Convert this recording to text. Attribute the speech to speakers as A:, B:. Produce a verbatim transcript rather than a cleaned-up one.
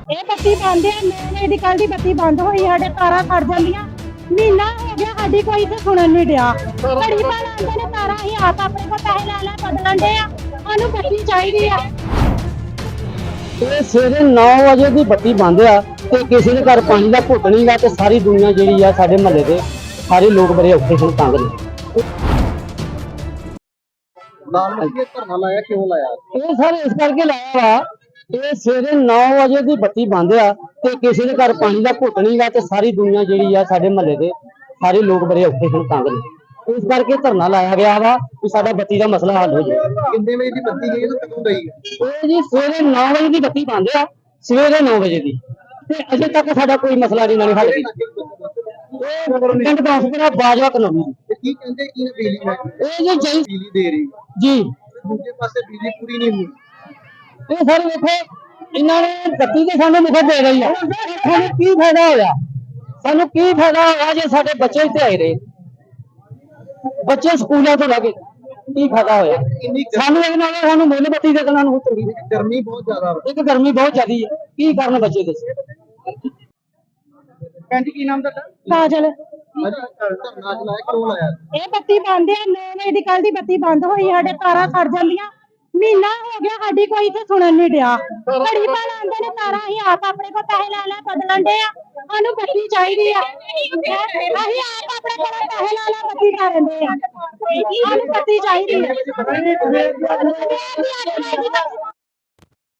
A: ਇਹ ਬੱਤੀ ਬੰਦ ਹੈ। ਨੌ ਵਜੇ ਦੀ ਕੱਲ ਦੀ ਬੱਤੀ ਬੰਦ ਹੋਈ, ਸਾਡੇ ਤਾਰਾਂ ਖੜ ਜਾਂਦੀਆਂ। ਮਹੀਨਾ ਹੋ ਗਿਆ ਸਾਡੀ ਕੋਈ ਇੱਥੇ ਸੁਣਨ ਨਹੀਂ ਡਿਆ। ਘੜੀ ਪਾ ਲਾਉਂਦੇ ਨੇ ਤਾਰਾਂ, ਅਸੀਂ ਆਪ ਆਪਣੇ ਕੋਲ ਪੈਸੇ ਲੈ ਲੈ ਬਦਲਣ ਦੇ ਆ। ਸਾਨੂੰ ਬੱਤੀ ਚਾਹੀਦੀ ਆ।
B: ਇਹ ਸਵੇਰੇ ਨੌ ਵਜੇ ਦੀ ਬੱਤੀ ਬੰਦ ਆ ਤੇ ਕਿਸੇ ਦੇ ਘਰ ਪਾਣੀ ਦਾ ਘੁੱਟ ਨਹੀਂ ਗਾ ਤੇ ਸਾਰੀ ਦੁਨੀਆ ਜਿਹੜੀ ਆ ਸਾਡੇ ਮਹੱਲੇ ਦੇ ਸਾਰੇ ਲੋਕ ਬੜੇ ਔਖੇ ਹਨ, ਤੰਗ ਨੇ।
C: ਲਾਲ ਮੱਕੀ ਇਹ ਧਰਨਾ ਲਾਇਆ ਕਿਉਂ ਲਾਇਆ?
B: ਇਹ ਸਾਰੇ ਇਸ ਕਰਕੇ ਲਾਇਆ ਵਾ, ਇਹ ਸਵੇਰੇ ਨੌ ਵਜੇ ਦੀ ਬੱਤੀ ਬੰਦ ਆ ਤੇ ਕਿਸੇ ਦੇ ਘਰ ਪਾਣੀ ਦਾ ਘੁੱਟ ਨਹੀਂ ਗਾ ਤੇ ਸਾਰੀ ਦੁਨੀਆ ਜਿਹੜੀ ਆ ਸਾਡੇ ਮਹੱਲੇ ਦੇ ਸਾਰੇ ਲੋਕ ਬੜੇ ਔਖੇ ਹਨ, ਤੰਗ ਨੇ। ਇਸ ਕਰਕੇ ਧਰਨਾ ਲਾਇਆ ਗਿਆ ਵਾ ਕਿ ਸਾਡਾ ਬੱਤੀ ਦਾ ਮਸਲਾ ਹੱਲ ਹੋ ਜਾਵੇ।
C: ਕਿੰਨੇ ਵਜੇ ਦੀ ਬੱਤੀ ਗਈ ਤੇ ਕਦੋਂ ਗਈ?
B: ਇਹ ਜੀ ਸਵੇਰੇ ਨੌ ਵਜੇ ਦੀ ਬੱਤੀ ਬੰਦ ਆ, ਸਵੇਰੇ ਨੌ ਵਜੇ ਦੀ, ਤੇ ਅਜੇ ਤੱਕ ਸਾਡਾ ਕੋਈ ਮਸਲਾ ਨਹੀਂ ਨਾਲ ਹੱਲ ਕੀਤਾ। ਇਹ ਪਿੰਡ ਦਾਸਪੁਰਾ ਬਾਜਵਾ ਕਲੋਨੀ
C: ਤੇ ਕੀ ਕਹਿੰਦੇ ਕੀ ਬਿਜਲੀ ਹੈ?
B: ਇਹ ਜੀ ਜਈ
C: ਬਿਜਲੀ ਦੇ ਰਹੀ
B: ਜੀ
C: ਦੂਜੇ ਪਾਸੇ ਬਿਜਲੀ ਪੂਰੀ ਨਹੀਂ ਹੋਈ।
B: ਇਹ ਸਰ ਵੇਖੋ, ਇਹਨਾਂ ਨੇ ਬੱਤੀ ਤੇ ਸਾਨੂੰ ਮੁਫਤ ਦੇ ਰਹੀ ਆ। ਸਾਨੂੰ ਕੀ ਫਾਇਦਾ ਹੋਇਆ? ਸਾਨੂੰ ਕੀ ਫਾਇਦਾ ਹੋਇਆ ਜੇ ਸਾਡੇ ਬੱਚੇ ਇੱਥੇ ਆਏ ਰਹੇ, ਬੱਚੇ ਸਕੂਲਾਂ ਤੋਂ ਲੱਗੇ, ਕੀ ਫਾਇਦਾ ਹੋਇਆ
C: ਇੰਨੀ
B: ਸਾਨੂੰ? ਇਹ ਨਾਲ ਸਾਨੂੰ ਮੁੱਲ ਬੱਤੀ ਦੇ ਦੇਣਾ ਨੂੰ ਚੰਗੀ।
C: ਗਰਮੀ ਬਹੁਤ ਜ਼ਿਆਦਾ ਵਾ।
B: ਇੱਕ ਗਰਮੀ ਬਹੁਤ ਜ਼ਿਆਦੀ ਹੈ, ਕੀ ਕਰਨ ਬੱਚੇ ਦੱਸੋ।
C: ਕਹਿੰਦੀ ਕੀ ਨਾਮ ਤੁਹਾਡਾ?
A: ਕਾਜਲ,
C: ਅੱਜ ਧਰਨਾ ਅੱਜ ਲਾਇਆ ਕਿਉਂ ਲਾਇਆ?
A: ਇਹ ਬੱਤੀ ਬੰਦ ਹੈ। ਨੌ ਵਜੇ ਦੀ ਕੱਲ ਦੀ ਬੱਤੀ ਬੰਦ ਹੋਈ, ਸਾਡੇ ਤਾਰਾਂ ਖੜ ਜਾਂਦੀਆਂ। ਮਹੀਨਾ ਹੋ ਗਿਆ ਸਾਡੀ ਕੋਈ ਇੱਥੇ ਸੁਣਨ ਨਹੀਂ ਡਿਆ। ਘੜੀ ਪਾ ਲਾਉਂਦੇ ਨੇ ਤਾਰਾਂ, ਅਸੀਂ ਆਪ ਆਪਣੇ ਕੋਲ ਪੈਸੇ ਲੈ ਲੈ ਬਦਲਣ ਦੇ ਆ। ਸਾਨੂੰ ਬੱਤੀ ਚਾਹੀਦੀ ਆ। ਅਸੀਂ ਆਪ ਆਪਣੇ ਕੋਲ ਪੈਸੇ ਲੈ ਲੈ ਬੱਤੀ ਕਰਨ ਦੇ ਆ। ਸਾਨੂੰ ਬੱਤੀ ਚਾਹੀਦੀ ਆ।